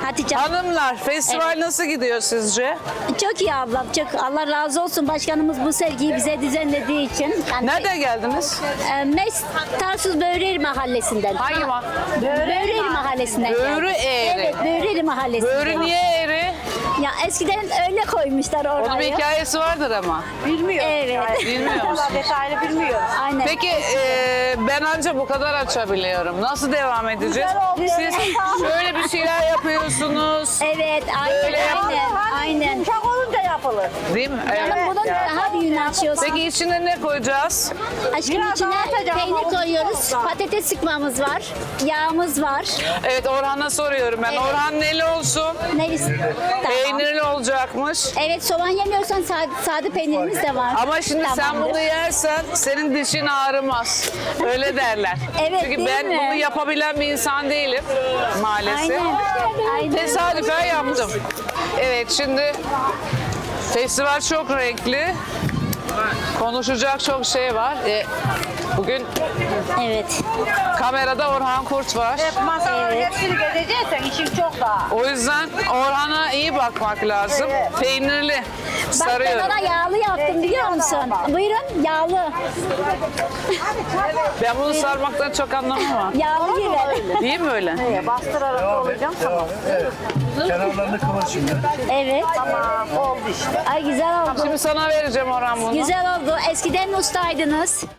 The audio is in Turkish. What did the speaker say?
Hatice. Hanımlar, festival nasıl gidiyor sizce? Çok iyi ablam. Çok Allah razı olsun başkanımız bu sergiyi bize düzenlediği için. Yani, Nereden geldiniz? Mes Tarsus Böğreri Mahallesi'nden. Hangi Böğreri Mahallesi'nden. Böğrü geldik. Eğri. Evet, Böğreri Mahallesi'nden. Böğrü niye eğri? Ya eskiden öyle koymuşlar Onun bir orayı. hikayesi vardır ama. Bilmiyor. Evet. Bilmiyor musun? Detaylı bilmiyor. Aynen. Peki ben anca bu kadar açabiliyorum. Nasıl devam edeceğiz? Güzel oldu. Siz şöyle bir şeyler yapıyorsunuz. Evet, aynen, Böyle aynen, aynen. Yumuşak olunca yapılır. Değil mi? Canım Evet. bunun daha büyüğünü açıyorsun. Peki içine ne koyacağız? Aşkım Biraz içine daha atacağım peynir ama koyuyoruz, olsun. patates sıkmamız var, yağımız var. Evet, Orhan'a soruyorum ben. Evet. Orhan neli olsun? Neresi? Tamam. Peynirli olacakmış. Evet, soğan yemiyorsan sade peynirimiz de var. Ama şimdi sen Tamamdır. bunu yersen senin dişin ağrımaz. Öyle derler. Evet, Çünkü değil ben mi? bunu yapabilen bir insan değilim maalesef. Aynen. Aynen. Tesadüfen yaptım. Evet, şimdi festival çok renkli. Konuşacak çok şey var. Bugün Evet. kamerada Orhan Kurt var. Masaları Evet. hepsini gezeceksen işin çok daha. O yüzden Orhan'a iyi bakmak lazım. Peynirli Bak ben sarıyorum. ona yağlı yaptım biliyor musun? Buyurun, yağlı. Ben bunu sarmaktan çok anlamam ama. Yağlı gibi. Değil mi öyle? Bastırarak olacağım tamam. Evet. Kenarlarını kıvır şimdi. Evet. Tamam oldu işte. Ay güzel oldu. Şimdi sana vereceğim Orhan bunu. Güzel oldu. Eskiden ustaydınız.